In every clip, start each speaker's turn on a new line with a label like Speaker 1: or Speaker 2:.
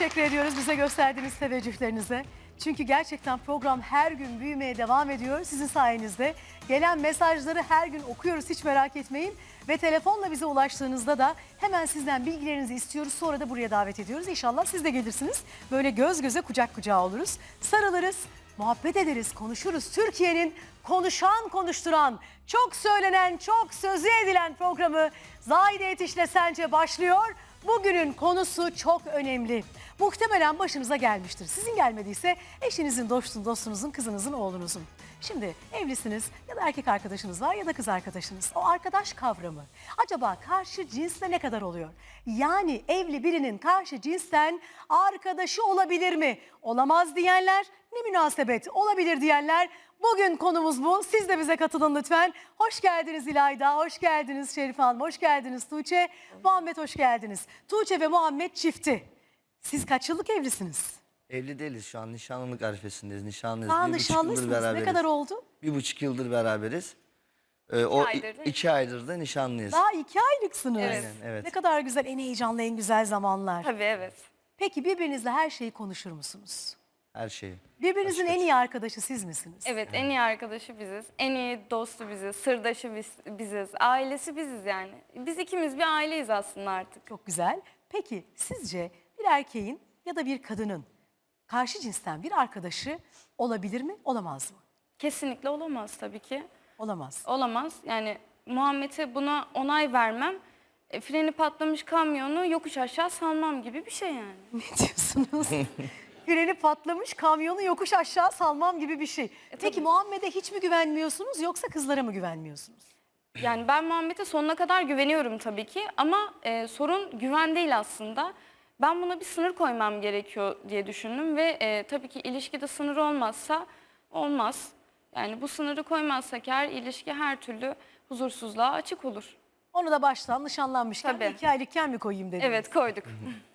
Speaker 1: teşekkür ediyoruz bize gösterdiğiniz teveccühlerinize. Çünkü gerçekten program her gün büyümeye devam ediyor sizin sayenizde. Gelen mesajları her gün okuyoruz, hiç merak etmeyin. Ve telefonla bize ulaştığınızda da hemen sizden bilgilerinizi istiyoruz. Sonra da buraya davet ediyoruz. İnşallah siz de gelirsiniz. Böyle göz göze kucak kucağa oluruz. Sarılırız, muhabbet ederiz, konuşuruz. Türkiye'nin konuşan konuşturan, çok söylenen, çok sözü edilen programı Zahide Yetiş'le Sence başlıyor. Bugünün konusu çok önemli. Muhtemelen başınıza gelmiştir. Sizin gelmediyse eşinizin, dostunuzun, kızınızın, oğlunuzun. Şimdi evlisiniz ya da erkek arkadaşınız var ya da kız arkadaşınız. O arkadaş kavramı acaba karşı cinsle ne kadar oluyor? Yani evli birinin karşı cinsten arkadaşı olabilir mi? Olamaz diyenler, ne münasebet olabilir diyenler. Bugün konumuz bu. Siz de bize katılın lütfen. Hoş geldiniz İlayda, hoş geldiniz Şerife Hanım, hoş geldiniz Tuğçe. Muhammed hoş geldiniz. Tuğçe ve Muhammed çifti. Siz kaç yıllık evlisiniz?
Speaker 2: Evli değiliz şu an, nişanlılık arifesindeyiz. Nişanlıyız.
Speaker 1: Aa,
Speaker 2: 1,5 yıldır
Speaker 1: nişanlısınız.
Speaker 2: beraberiz.
Speaker 1: Ne kadar oldu?
Speaker 2: 1,5 yıldır beraberiz.
Speaker 3: aydır da
Speaker 2: 2 aydır da nişanlıyız.
Speaker 1: Daha 2 aylıksınız.
Speaker 3: Evet.
Speaker 2: Aynen, evet.
Speaker 1: Ne kadar güzel, en heyecanlı, en güzel zamanlar.
Speaker 3: Tabii evet.
Speaker 1: Peki birbirinizle her şeyi konuşur musunuz?
Speaker 2: Her şeyi.
Speaker 1: Birbirinizin en iyi arkadaşı siz misiniz?
Speaker 3: Evet en iyi arkadaşı biziz. En iyi dostu biziz. Sırdaşı biziz. Ailesi biziz yani. Biz ikimiz bir aileyiz aslında artık.
Speaker 1: Çok güzel. Peki sizce bir erkeğin ya da bir kadının karşı cinsten bir arkadaşı olabilir mi, olamaz mı?
Speaker 3: Kesinlikle olamaz tabii ki.
Speaker 1: Olamaz.
Speaker 3: Olamaz. Yani Muhammed'e buna onay vermem. Freni patlamış kamyonu yokuş aşağı salmam gibi bir şey yani.
Speaker 1: Ne diyorsunuz? Freni patlamış kamyonu yokuş aşağı salmam gibi bir şey. Peki
Speaker 3: tabii.
Speaker 1: Muhammed'e hiç mi güvenmiyorsunuz yoksa kızlara mı güvenmiyorsunuz?
Speaker 3: Yani ben Muhammed'e sonuna kadar güveniyorum tabii ki ama sorun güven değil aslında. Ben buna bir sınır koymam gerekiyor diye düşündüm ve tabii ki ilişkide sınır olmazsa olmaz. Yani bu sınırı koymazsak eğer ilişki her türlü huzursuzluğa açık olur.
Speaker 1: Onu da baştan nişanlanmışken
Speaker 3: Tabii.
Speaker 1: 2 aylıkken mi koyayım dediniz?
Speaker 3: Evet koyduk.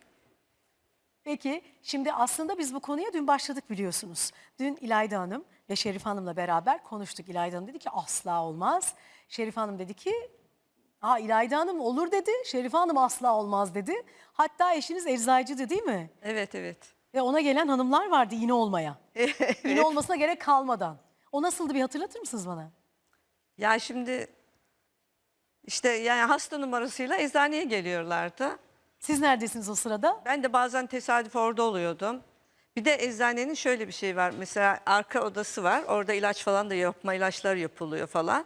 Speaker 1: Peki şimdi aslında biz bu konuya dün başladık biliyorsunuz. Dün İlayda Hanım ve Şerife Hanım'la beraber konuştuk. İlayda Hanım dedi ki asla olmaz. Şerife Hanım dedi ki İlayda Hanım olur dedi. Şerife Hanım asla olmaz dedi. Hatta eşiniz eczacıydı değil mi?
Speaker 4: Evet, evet.
Speaker 1: Ve ona gelen hanımlar vardı iğne olmaya. İğne olmasına gerek kalmadan. O nasıldı bir hatırlatır mısınız bana?
Speaker 4: Ya şimdi işte yani hasta numarasıyla eczaneye geliyorlardı.
Speaker 1: Siz neredesiniz o sırada?
Speaker 4: Ben de bazen tesadüf orada oluyordum. Bir de eczanenin şöyle bir şey var. Mesela arka odası var. Orada ilaç falan da ilaçlar yapılıyor falan.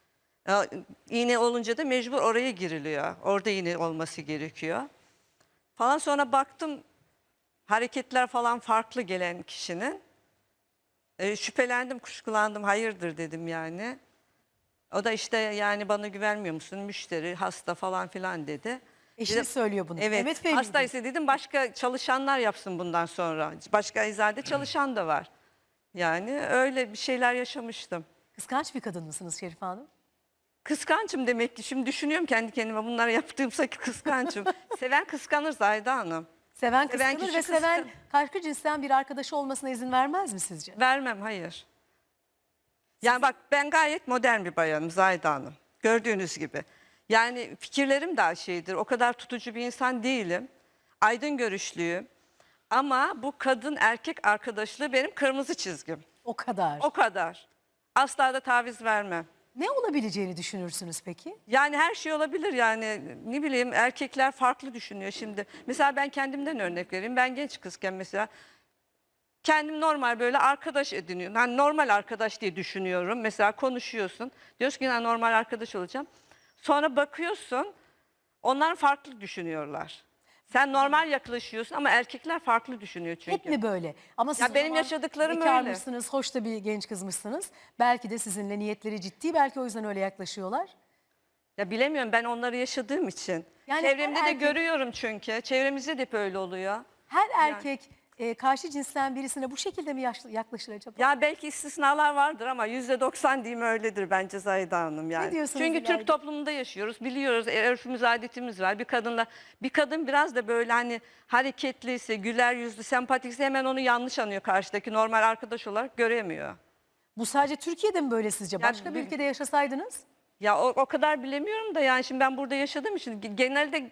Speaker 4: İğne olunca da mecbur oraya giriliyor. Orada iğne olması gerekiyor. Falan sonra baktım hareketler falan farklı gelen kişinin. Şüphelendim, kuşkulandım. Hayırdır dedim yani. O da işte yani bana güvenmiyor musun? Müşteri, hasta falan filan dedi.
Speaker 1: Eşiniz
Speaker 4: Dedim,
Speaker 1: söylüyor bunu.
Speaker 4: Evet,
Speaker 1: Mehmet Bey miydi?
Speaker 4: hastaysa dedim başka çalışanlar yapsın bundan sonra. Başka eczanede çalışan da var. Yani öyle bir şeyler yaşamıştım.
Speaker 1: Kıskanç bir kadın mısınız Şerife Hanım?
Speaker 4: Kıskançım demek ki. Şimdi düşünüyorum kendi kendime bunları yaptığımsa ki kıskançım. Seven kıskanır Zahide Hanım.
Speaker 1: Seven
Speaker 4: Seven
Speaker 1: kıskanır
Speaker 4: kişi
Speaker 1: ve seven karşı cinsten bir arkadaşı olmasına izin vermez mi sizce?
Speaker 4: Vermem, hayır. Yani bak ben gayet modern bir bayanım Zahide Hanım. Gördüğünüz gibi. Yani fikirlerim daha şeydir. O kadar tutucu bir insan değilim. Aydın görüşlüyüm. Ama bu kadın erkek arkadaşlığı benim kırmızı çizgim.
Speaker 1: O kadar.
Speaker 4: O kadar. Asla da taviz vermem.
Speaker 1: Ne olabileceğini düşünürsünüz peki?
Speaker 4: Yani her şey olabilir yani ne bileyim erkekler farklı düşünüyor şimdi. Mesela ben kendimden örnek vereyim. Ben genç kızken mesela kendim normal böyle arkadaş ediniyorum. Hani normal arkadaş diye düşünüyorum. Mesela konuşuyorsun. Diyorsun ki normal arkadaş olacağım. Sonra bakıyorsun onlar farklı düşünüyorlar. Sen normal yaklaşıyorsun ama erkekler farklı düşünüyor çünkü.
Speaker 1: Hep mi böyle? Ama siz
Speaker 4: Ya
Speaker 1: o
Speaker 4: benim
Speaker 1: zaman
Speaker 4: yaşadıklarım öyle.
Speaker 1: bekarmışsınız, hoş da bir genç kızmışsınız. Belki de sizinle niyetleri ciddi, belki o yüzden öyle yaklaşıyorlar.
Speaker 4: Ya bilemiyorum ben onları yaşadığım için.
Speaker 1: Yani
Speaker 4: Çevremde
Speaker 1: her
Speaker 4: de
Speaker 1: erkek-
Speaker 4: görüyorum çünkü. Çevremizde de hep öyle oluyor.
Speaker 1: Her erkek karşı cinsten birisine bu şekilde mi yaklaşır acaba?
Speaker 4: Ya belki istisnalar vardır ama %90 diyeyim öyledir bence Zahide Hanım yani.
Speaker 1: diyorsunuz
Speaker 4: Çünkü
Speaker 1: İlayda?
Speaker 4: Türk toplumunda yaşıyoruz. Biliyoruz örfümüz, adetimiz var. Bir kadın biraz da böyle hani hareketliyse, güler yüzlü, sempatikse hemen onu yanlış anlıyor karşıdaki. Normal arkadaş olarak göremiyor.
Speaker 1: Bu sadece Türkiye'de mi böyle sizce? Başka bir ülkede yaşasaydınız?
Speaker 4: Ya o kadar bilemiyorum da yani şimdi ben burada yaşadığım için genelde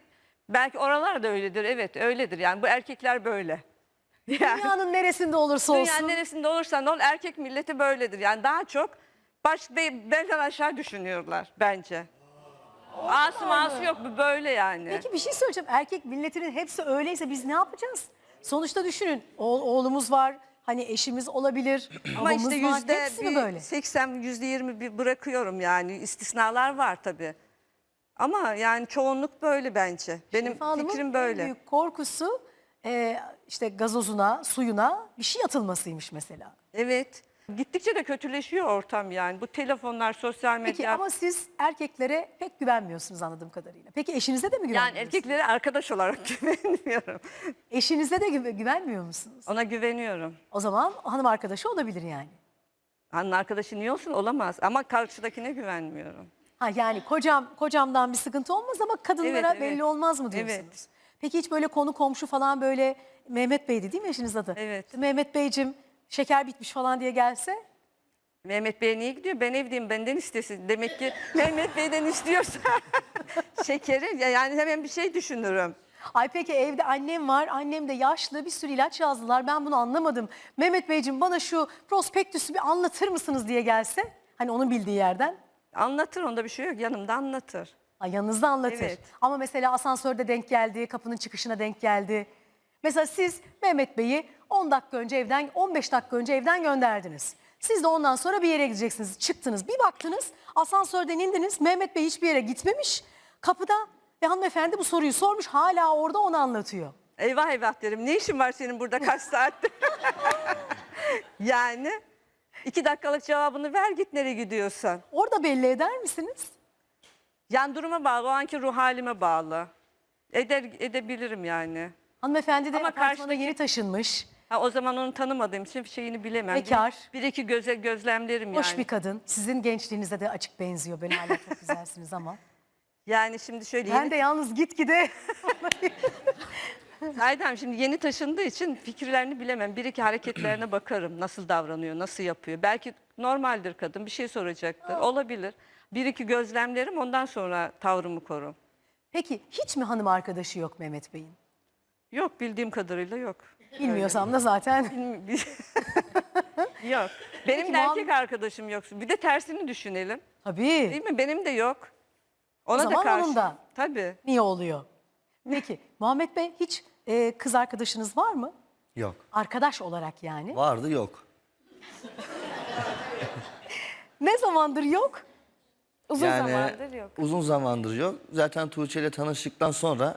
Speaker 4: Belki oralar da öyledir. Evet öyledir. Yani bu erkekler böyle. Yani
Speaker 1: Dünyanın neresinde olursa olsun.
Speaker 4: dünyanın neresinde olursan ol erkek milleti böyledir. Yani daha çok belden aşağı düşünüyorlar bence. Ası yok bu böyle yani.
Speaker 1: Peki bir şey söyleyeceğim. Erkek milletinin hepsi öyleyse biz ne yapacağız? Sonuçta düşünün. Oğlumuz var. Hani eşimiz olabilir.
Speaker 4: Ama
Speaker 1: babamız
Speaker 4: işte
Speaker 1: var. Hepsi mi böyle?
Speaker 4: %80, %20 bir bırakıyorum yani. İstisnalar var tabii. Ama yani çoğunluk böyle bence. Benim
Speaker 1: Şerife Hanım'ın
Speaker 4: fikrim
Speaker 1: en
Speaker 4: böyle.
Speaker 1: büyük korkusu işte gazozuna, suyuna bir şey atılmasıymış mesela.
Speaker 4: Evet. Gittikçe de kötüleşiyor ortam yani. Bu telefonlar, sosyal medya.
Speaker 1: Peki ama siz erkeklere pek güvenmiyorsunuz anladığım kadarıyla. Peki eşinize de mi
Speaker 4: yani
Speaker 1: güvenmiyorsunuz?
Speaker 4: erkeklere arkadaş olarak güvenmiyorum.
Speaker 1: Eşinize de güvenmiyor musunuz?
Speaker 4: Ona güveniyorum.
Speaker 1: O zaman hanım arkadaşı olabilir yani.
Speaker 4: Hanım arkadaşı niye olsun? Olamaz. Ama karşıdakine güvenmiyorum.
Speaker 1: Ha yani kocamdan bir sıkıntı olmaz ama kadınlara
Speaker 4: Evet, evet.
Speaker 1: belli olmaz mı diyorsunuz?
Speaker 4: Evet.
Speaker 1: Peki hiç böyle konu komşu falan böyle Mehmet Bey'di değil mi eşiniz adı?
Speaker 4: Evet.
Speaker 1: İşte Mehmet Beyciğim şeker bitmiş falan diye gelse
Speaker 4: Mehmet Bey'e niye gidiyor? Ben evdeyim, benden istesin. Demek ki Mehmet Bey'den istiyorsa şekeri yani hemen bir şey düşünürüm.
Speaker 1: ay peki evde annem var, annem de yaşlı bir sürü ilaç yazdılar ben bunu anlamadım. Mehmet Beyciğim bana şu prospektüsü bir anlatır mısınız diye gelse hani onun bildiği yerden.
Speaker 4: Anlatır, onda bir şey yok. Yanımda anlatır.
Speaker 1: Ay yanınızda anlatır.
Speaker 4: Evet.
Speaker 1: Ama mesela asansörde denk geldi, kapının çıkışına denk geldi. Mesela siz Mehmet Bey'i 10 dakika önce evden, 15 dakika önce evden gönderdiniz. Siz de ondan sonra bir yere gideceksiniz. Çıktınız, bir baktınız, asansörden indiniz. Mehmet Bey hiçbir yere gitmemiş. Kapıda ve hanımefendi bu soruyu sormuş, hala orada onu anlatıyor.
Speaker 4: Eyvah eyvah derim. Ne işin var senin burada kaç saattir? Yani 2 dakikalık cevabını ver git nereye gidiyorsan.
Speaker 1: Orada belli eder misiniz?
Speaker 4: Yani duruma bağlı, o anki ruh halime bağlı. Edebilirim yani.
Speaker 1: Hanımefendi de
Speaker 4: Ama
Speaker 1: apartmana
Speaker 4: karşıdaki-
Speaker 1: yeni taşınmış.
Speaker 4: Ha, o zaman onu tanımadığım için şeyini bilemem.
Speaker 1: Bekar.
Speaker 4: Bir iki gözlemlerim
Speaker 1: Hoş
Speaker 4: yani.
Speaker 1: bir kadın. Sizin gençliğinize de açık benziyor. Ben hala çok güzelsiniz ama.
Speaker 4: Yani şimdi şöyle
Speaker 1: Ben de yalnız gitgide
Speaker 4: Aydem şimdi yeni taşındığı için fikirlerini bilemem. Bir iki hareketlerine bakarım. Nasıl davranıyor, nasıl yapıyor. Belki normaldir kadın, bir şey soracaktır. Olabilir. Bir iki gözlemlerim, ondan sonra tavrımı korum.
Speaker 1: Peki hiç mi hanım arkadaşı yok Mehmet Bey'in?
Speaker 4: Yok, bildiğim kadarıyla yok.
Speaker 1: Bilmiyorsam da zaten.
Speaker 4: Yok. Benim
Speaker 1: Peki,
Speaker 4: de erkek arkadaşım yok. Bir de tersini düşünelim.
Speaker 1: Tabii.
Speaker 4: Değil mi? Benim de yok. Ona
Speaker 1: zaman
Speaker 4: da karşı.
Speaker 1: onun da.
Speaker 4: Tabii.
Speaker 1: Niye oluyor? Peki Muhammed Bey hiç kız arkadaşınız var mı?
Speaker 2: Yok.
Speaker 1: Arkadaş olarak yani.
Speaker 2: Vardı yok.
Speaker 1: Ne zamandır yok?
Speaker 3: Uzun
Speaker 2: Yani
Speaker 3: zamandır yok.
Speaker 2: uzun zamandır yok. Zaten Tuğçe ile tanıştıktan sonra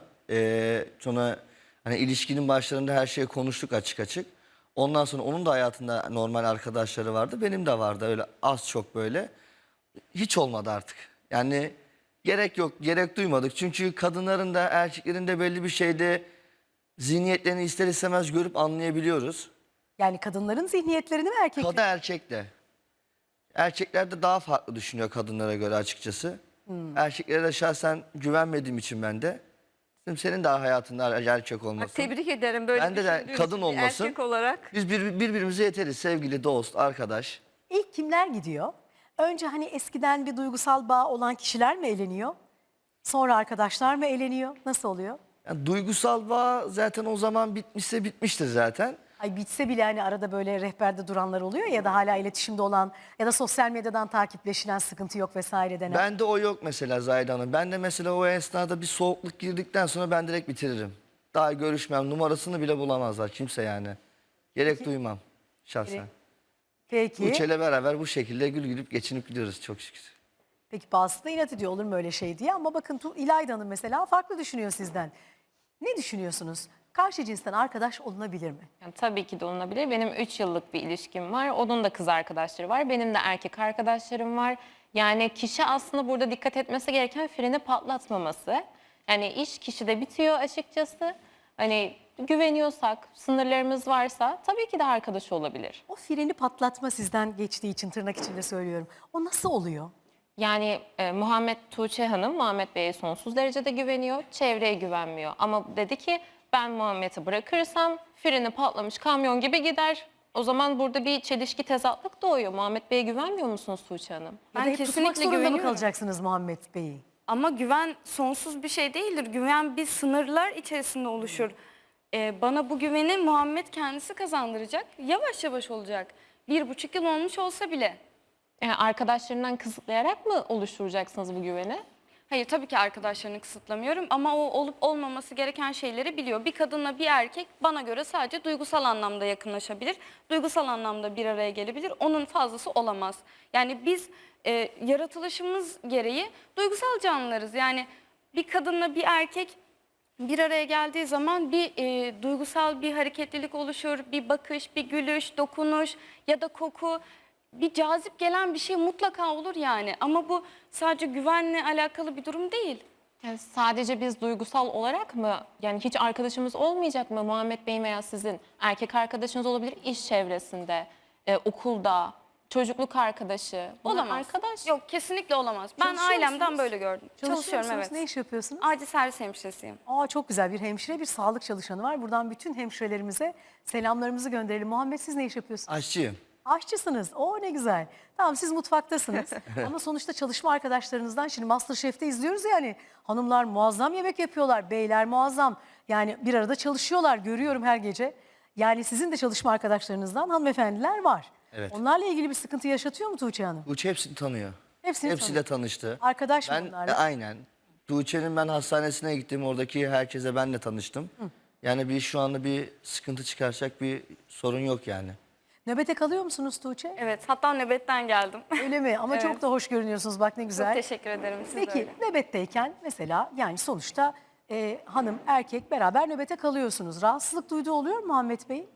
Speaker 2: sonra hani ilişkinin başlarında her şeyi konuştuk açık açık. Ondan sonra onun da hayatında normal arkadaşları vardı. Benim de vardı öyle az çok böyle. Hiç olmadı artık. Yani gerek yok, gerek duymadık. Çünkü kadınların da erkeklerin de belli bir şeyde zihniyetlerini ister istemez görüp anlayabiliyoruz.
Speaker 1: Yani kadınların zihniyetlerini mi erkeklerin?
Speaker 2: Kadın erkek de. Erkekler de daha farklı düşünüyor kadınlara göre açıkçası. Erkeklere de şahsen güvenmediğim için ben de. Dedim senin daha hayatında erkek
Speaker 4: Bak,
Speaker 2: olmasın.
Speaker 4: tebrik ederim böyle
Speaker 2: Bende de
Speaker 4: düşündüğün
Speaker 2: kadın
Speaker 4: için.
Speaker 2: olmasın.
Speaker 4: Erkek olarak.
Speaker 2: Biz birbirimize yeteriz. Sevgili, dost, arkadaş.
Speaker 1: İlk kimler gidiyor? Önce hani eskiden bir duygusal bağ olan kişiler mi eleniyor? Sonra arkadaşlar mı eleniyor? Nasıl oluyor?
Speaker 2: Yani duygusal bağ zaten o zaman bitmişse bitmiştir zaten.
Speaker 1: Ay bitse bile hani arada böyle rehberde duranlar oluyor ya da hala iletişimde olan ya da sosyal medyadan takipleşilen sıkıntı yok vesaire denen.
Speaker 2: Bende o yok mesela Zahide Hanım. Ben de mesela o esnada bir soğukluk girdikten sonra ben direkt bitiririm. Daha görüşmem, numarasını bile bulamazlar kimse yani. Gerek duymam şahsen.
Speaker 1: Peki.
Speaker 2: Tuğçe'yle beraber bu şekilde gül gülüp geçinip gidiyoruz çok şükür.
Speaker 1: Peki bazısı da inat ediyor olur mu öyle şey diye ama bakın İlayda Hanım mesela farklı düşünüyor sizden. Ne düşünüyorsunuz? Karşı cinsten arkadaş olunabilir mi?
Speaker 5: Yani tabii ki de olunabilir. Benim 3 yıllık bir ilişkim var. Onun da kız arkadaşları var. Benim de erkek arkadaşlarım var. Yani kişi aslında burada dikkat etmesi gereken freni patlatmaması. Yani iş kişide bitiyor açıkçası. Hani güveniyorsak, sınırlarımız varsa tabii ki de arkadaş olabilir.
Speaker 1: O freni patlatma sizden geçtiği için tırnak içinde söylüyorum. O nasıl oluyor?
Speaker 5: Yani Muhammed Tuğçe Hanım Muhammed Bey'e sonsuz derecede güveniyor, çevreye güvenmiyor. Ama dedi ki ben Muhammed'i bırakırsam freni patlamış kamyon gibi gider. O zaman burada bir çelişki tezatlık doğuyor. Muhammed Bey'e güvenmiyor musunuz Tuğçe Hanım?
Speaker 1: Ya da
Speaker 3: Ben
Speaker 1: hep tutmak
Speaker 3: kesinlikle
Speaker 1: zorunda mı
Speaker 3: güveniyorum.
Speaker 1: kalacaksınız Muhammed Bey'i?
Speaker 3: Ama güven sonsuz bir şey değildir. Güven bir sınırlar içerisinde oluşur. Bana bu güveni Muhammed kendisi kazandıracak. Yavaş yavaş olacak. 1,5 yıl olmuş olsa bile.
Speaker 5: Arkadaşlarından kısıtlayarak mı oluşturacaksınız bu güveni?
Speaker 3: Hayır, tabii ki arkadaşlarını kısıtlamıyorum ama o olup olmaması gereken şeyleri biliyor. Bir kadınla bir erkek bana göre sadece duygusal anlamda yakınlaşabilir. Duygusal anlamda bir araya gelebilir. Onun fazlası olamaz. Yani biz yaratılışımız gereği duygusal canlılarız. Yani bir kadınla bir erkek bir araya geldiği zaman bir duygusal bir hareketlilik oluşur. Bir bakış, bir gülüş, dokunuş ya da koku. Bir cazip gelen bir şey mutlaka olur yani. Ama bu sadece güvenle alakalı bir durum değil.
Speaker 5: Yani sadece biz duygusal olarak mı, yani hiç arkadaşımız olmayacak mı Muhammed Bey'in veya sizin? Erkek arkadaşınız olabilir, iş çevresinde, okulda, çocukluk arkadaşı. Bunlar
Speaker 3: Olamaz.
Speaker 5: arkadaş.
Speaker 3: Yok, kesinlikle olamaz. Ben
Speaker 1: Çalışıyor
Speaker 3: ailemden
Speaker 1: musunuz?
Speaker 3: böyle gördüm. Çalışıyorum,
Speaker 1: musunuz?
Speaker 3: evet.
Speaker 1: Ne iş yapıyorsunuz?
Speaker 3: Acil servis hemşiresiyim.
Speaker 1: Aa, çok güzel, bir hemşire, bir sağlık çalışanı var. Buradan bütün hemşirelerimize selamlarımızı gönderelim. Muhammed, siz ne iş yapıyorsunuz?
Speaker 2: Aşçıyım.
Speaker 1: Aşçısınız. Oo, ne güzel. Tamam, siz mutfaktasınız. Ama sonuçta çalışma arkadaşlarınızdan, şimdi MasterChef'te izliyoruz yani. Hanımlar muazzam yemek yapıyorlar. Beyler muazzam. Yani bir arada çalışıyorlar. Görüyorum her gece. Yani sizin de çalışma arkadaşlarınızdan hanımefendiler var.
Speaker 2: Evet.
Speaker 1: Onlarla ilgili bir sıkıntı yaşatıyor mu Tuğçe Hanım?
Speaker 2: Tuğçe hepsini tanıyor.
Speaker 1: Hepsini
Speaker 2: Hepsiyle tanıştı.
Speaker 1: Arkadaş mı
Speaker 2: Ben
Speaker 1: onlarla?
Speaker 2: aynen. Tuğçe'nin ben hastanesine gittim. Oradaki herkese ben de tanıştım. Yani şu anda bir sıkıntı çıkaracak bir sorun yok yani.
Speaker 1: Nöbete kalıyor musunuz Tuğçe?
Speaker 3: Evet, hatta nöbetten geldim.
Speaker 1: Öyle mi? Ama çok
Speaker 3: Evet.
Speaker 1: da hoş görünüyorsunuz, bak ne
Speaker 3: Çok
Speaker 1: güzel.
Speaker 3: teşekkür ederim. Siz de
Speaker 1: Peki
Speaker 3: öyle.
Speaker 1: nöbetteyken mesela, yani sonuçta hanım erkek beraber nöbete kalıyorsunuz. Rahatsızlık duyduğu oluyor mu Muhammed Bey?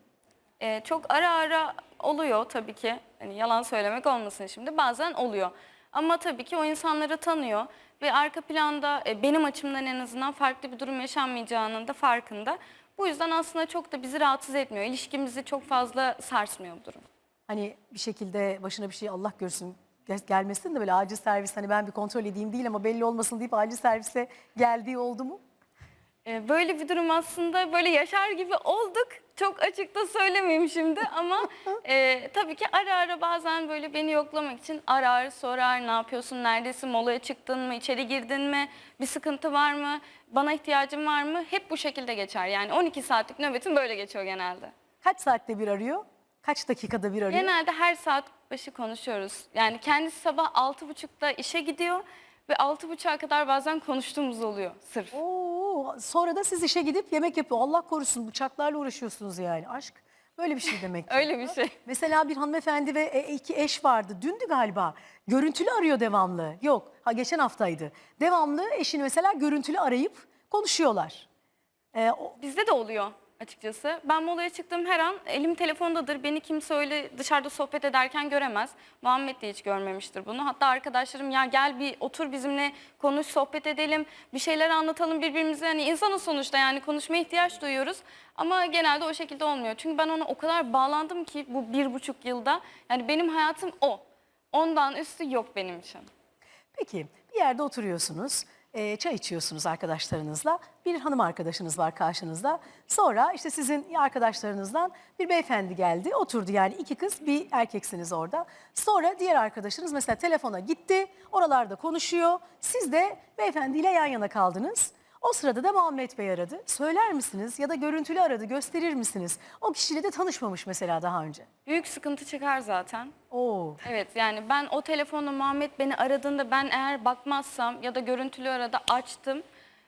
Speaker 3: Çok ara ara oluyor tabii ki. Hani yalan söylemek olmasın şimdi. Bazen oluyor. Ama tabii ki o insanları tanıyor ve arka planda benim açımdan en azından farklı bir durum yaşanmayacağının da farkında. Bu yüzden aslında çok da bizi rahatsız etmiyor. İlişkimizi çok fazla sarsmıyor bu durum.
Speaker 1: Hani bir şekilde başına bir şey, Allah görsün, gelmesin de böyle acil servis, hani ben bir kontrol edeyim değil ama belli olmasın deyip acil servise geldiği oldu mu?
Speaker 3: Böyle bir durum aslında böyle yaşar gibi olduk. Çok açıkta söylemeyeyim şimdi ama tabii ki ara ara bazen böyle beni yoklamak için arar, sorar, ne yapıyorsun, neredesin, molaya çıktın mı, içeri girdin mi, bir sıkıntı var mı, bana ihtiyacın var mı? Hep bu şekilde geçer. Yani 12 saatlik nöbetim böyle geçiyor genelde.
Speaker 1: Kaç saatte bir arıyor? Kaç dakikada bir arıyor?
Speaker 3: Genelde her saat başı konuşuyoruz. Yani kendisi sabah 6.30'da işe gidiyor ve 6.30'a kadar bazen konuştuğumuz oluyor sırf.
Speaker 1: Oo, sonra da siz işe gidip yemek yapıyor. Allah korusun, bıçaklarla uğraşıyorsunuz yani. Aşk böyle bir şey demek ki.
Speaker 3: Öyle bir şey.
Speaker 1: Mesela bir hanımefendi ve iki eş vardı. Dündü galiba. Görüntülü arıyor devamlı. Yok, geçen haftaydı. Devamlı eşini mesela görüntülü arayıp konuşuyorlar.
Speaker 3: Bizde de oluyor açıkçası. Ben molaya çıktığım her an elim telefondadır. Beni kimse öyle dışarıda sohbet ederken göremez. Muhammed de hiç görmemiştir bunu. Hatta arkadaşlarım ya gel bir otur bizimle konuş, sohbet edelim. Bir şeyler anlatalım birbirimize. Yani insanız sonuçta, yani konuşmaya ihtiyaç duyuyoruz. Ama genelde o şekilde olmuyor. Çünkü ben ona o kadar bağlandım ki bu 1,5 yılda. Yani benim hayatım o. Ondan üstü yok benim için.
Speaker 1: Peki bir yerde oturuyorsunuz, çay içiyorsunuz arkadaşlarınızla. Bir hanım arkadaşınız var karşınızda. Sonra işte sizin arkadaşlarınızdan bir beyefendi geldi, oturdu, yani iki kız bir erkeksiniz orada. Sonra diğer arkadaşınız mesela telefona gitti, oralarda konuşuyor. Siz de beyefendiyle yan yana kaldınız. O sırada da Muhammed Bey aradı. Söyler misiniz ya da görüntülü aradı, gösterir misiniz? O kişiyle de tanışmamış mesela daha önce.
Speaker 3: Büyük sıkıntı çıkar zaten.
Speaker 1: Oo.
Speaker 3: Evet, yani ben o telefonla Muhammed beni aradığında ben eğer bakmazsam ya da görüntülü arada açtım.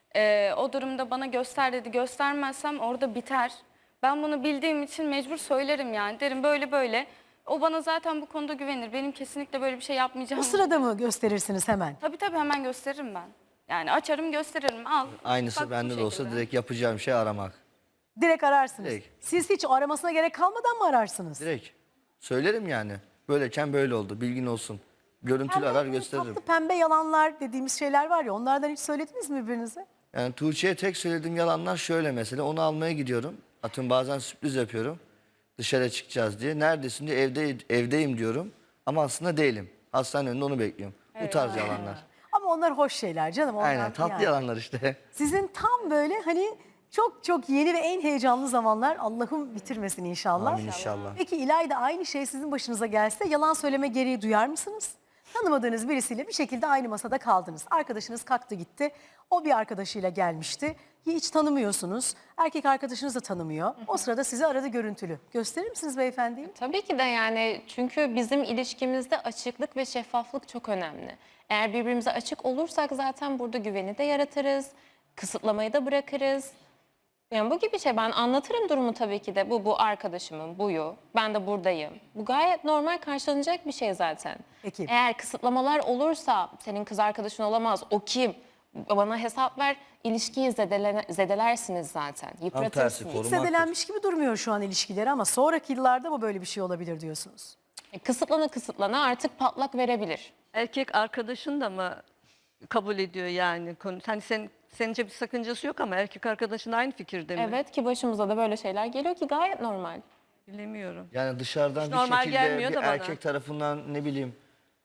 Speaker 3: O durumda bana göster dedi, göstermezsem orada biter. Ben bunu bildiğim için mecbur söylerim yani, derim böyle böyle. O bana zaten bu konuda güvenir. Benim kesinlikle böyle bir şey yapmayacağım.
Speaker 1: O sırada mı gösterirsiniz hemen?
Speaker 3: Tabii hemen gösteririm ben. Yani açarım gösteririm, al.
Speaker 2: Aynısı
Speaker 3: Bak bu
Speaker 2: bende de olsa
Speaker 3: şekilde.
Speaker 2: direkt yapacağım şey aramak.
Speaker 1: Direkt ararsınız.
Speaker 2: Direkt.
Speaker 1: Siz hiç aramasına gerek kalmadan mı ararsınız?
Speaker 2: Direkt. Söylerim yani. Böyleyken böyle oldu. Bilgin olsun. Görüntülü arar gösteririm.
Speaker 1: Tatlı pembe yalanlar dediğimiz şeyler var ya, onlardan hiç söylediniz mi birbirinize?
Speaker 2: Yani Tuğçe'ye tek söylediğim yalanlar şöyle mesela. Onu almaya gidiyorum. Atıyorum bazen sürpriz yapıyorum. Dışarı çıkacağız diye. Neredesin diye, evdeyim diyorum. Ama aslında değilim. Hastanenin önünde onu bekliyorum. Bu tarz yalanlar.
Speaker 1: Ama onlar hoş şeyler canım. Onlar
Speaker 2: Aynen tatlı
Speaker 1: yani.
Speaker 2: yalanlar işte.
Speaker 1: Sizin tam böyle hani çok çok yeni ve en heyecanlı zamanlar, Allah'ım bitirmesin inşallah.
Speaker 2: Amin inşallah.
Speaker 1: Peki İlayda, aynı şey sizin başınıza gelse yalan söyleme gereği duyar mısınız? tanımadığınız birisiyle bir şekilde aynı masada kaldınız. Arkadaşınız kalktı gitti. O bir arkadaşıyla gelmişti. Hiç tanımıyorsunuz. Erkek arkadaşınız da tanımıyor. O sırada sizi aradı görüntülü. Gösterir misiniz beyefendiyi?
Speaker 5: Tabii ki de yani çünkü bizim ilişkimizde açıklık ve şeffaflık çok önemli. Eğer birbirimize açık olursak zaten burada güveni de yaratırız, kısıtlamayı da bırakırız. Yani bu gibi şey ben anlatırım durumu tabii ki de bu arkadaşımın buyu ben de buradayım. Bu gayet normal karşılanacak bir şey zaten.
Speaker 1: Peki.
Speaker 5: Eğer kısıtlamalar olursa senin kız arkadaşın olamaz o kim? Bana hesap ver ilişkiyi zedelersiniz zaten
Speaker 2: tersi,
Speaker 5: yıpratırsınız.
Speaker 2: korumaktır.
Speaker 1: Zedelenmiş gibi durmuyor şu an ilişkileri ama sonraki yıllarda mı böyle bir şey olabilir diyorsunuz?
Speaker 5: Kısıtlana artık patlak verebilir.
Speaker 4: Erkek arkadaşın da mı kabul ediyor yani? Hani senince bir sakıncası yok ama erkek arkadaşın aynı fikirde mi?
Speaker 5: Evet ki başımıza da böyle şeyler geliyor ki gayet normal.
Speaker 4: Bilemiyorum.
Speaker 2: Yani dışarıdan bir
Speaker 4: normal
Speaker 2: şekilde
Speaker 4: gelmiyor
Speaker 2: bir
Speaker 4: da bana.
Speaker 2: erkek tarafından ne bileyim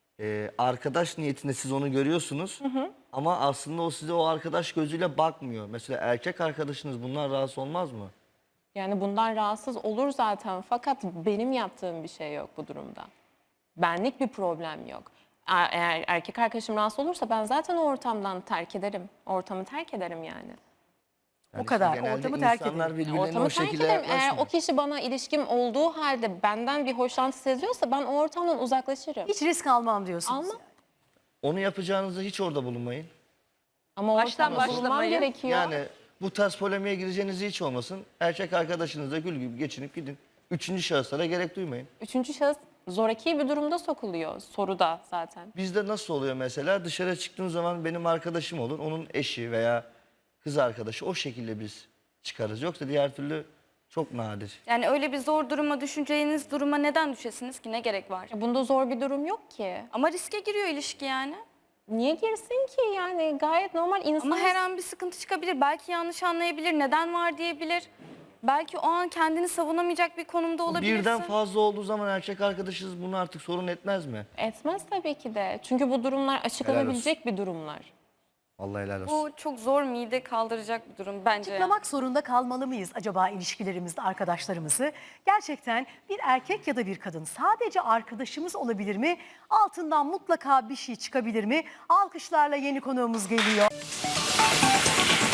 Speaker 2: arkadaş niyetinde siz onu görüyorsunuz. Ama aslında o size o arkadaş gözüyle bakmıyor. Mesela erkek arkadaşınız bundan rahatsız olmaz mı?
Speaker 5: Yani bundan rahatsız olur zaten fakat benim yaptığım bir şey yok bu durumda. Benlik bir problem yok. Eğer erkek arkadaşım rahatsız olursa ben zaten o ortamdan terk ederim. Ortamı terk ederim yani.
Speaker 2: Yani
Speaker 1: kadar.
Speaker 2: işte genelde
Speaker 1: Ortamı terk
Speaker 2: insanlar
Speaker 1: edelim.
Speaker 2: birbirlerine
Speaker 5: Ortamı
Speaker 2: o
Speaker 5: terk
Speaker 2: şekilde
Speaker 5: ederim. Eğer o
Speaker 2: yaklaşmıyor.
Speaker 5: kişi bana ilişkim olduğu halde benden bir hoşlantı seziyorsa ben o ortamdan uzaklaşırım.
Speaker 1: Hiç risk almam diyorsunuz.
Speaker 5: Almam.
Speaker 1: yani.
Speaker 2: Onu yapacağınızda hiç orada bulunmayın.
Speaker 5: Ama
Speaker 4: Baştan
Speaker 5: ortamda bulunmam
Speaker 4: başlamayın.
Speaker 5: gerekiyor.
Speaker 2: Yani bu tarz polemiğe gireceğiniz hiç olmasın. Erkek arkadaşınızla gül gibi geçinip gidin. Üçüncü şahıslara gerek duymayın.
Speaker 5: Üçüncü şahıs zoraki bir durumda sokuluyor soruda zaten.
Speaker 2: Bizde nasıl oluyor mesela? Dışarı çıktığın zaman benim arkadaşım olur. Onun eşi veya kız arkadaşı o şekilde biz çıkarız. Yoksa diğer türlü çok nadir.
Speaker 3: Yani öyle bir zor duruma düşeceğiniz duruma neden düşesiniz ki? Ne gerek var?
Speaker 5: Bunda zor bir durum yok ki.
Speaker 3: Ama riske giriyor ilişki yani.
Speaker 5: Niye girsin ki yani gayet normal insan.
Speaker 3: Ama her an bir sıkıntı çıkabilir. Belki yanlış anlayabilir, neden var diyebilir. Belki o an kendini savunamayacak bir konumda olabilirsin.
Speaker 2: Birden fazla olduğu zaman erkek arkadaşınız bunu artık sorun etmez mi?
Speaker 5: Etmez tabii ki de. Çünkü bu durumlar açıklanabilecek bir durumlar.
Speaker 2: Vallahi helal olsun.
Speaker 3: Bu çok zor mide kaldıracak bir durum bence.
Speaker 1: Açıklamak zorunda kalmalı mıyız acaba ilişkilerimizde arkadaşlarımızı? Gerçekten bir erkek ya da bir kadın sadece arkadaşımız olabilir mi? Altından mutlaka bir şey çıkabilir mi? Alkışlarla yeni konuğumuz geliyor.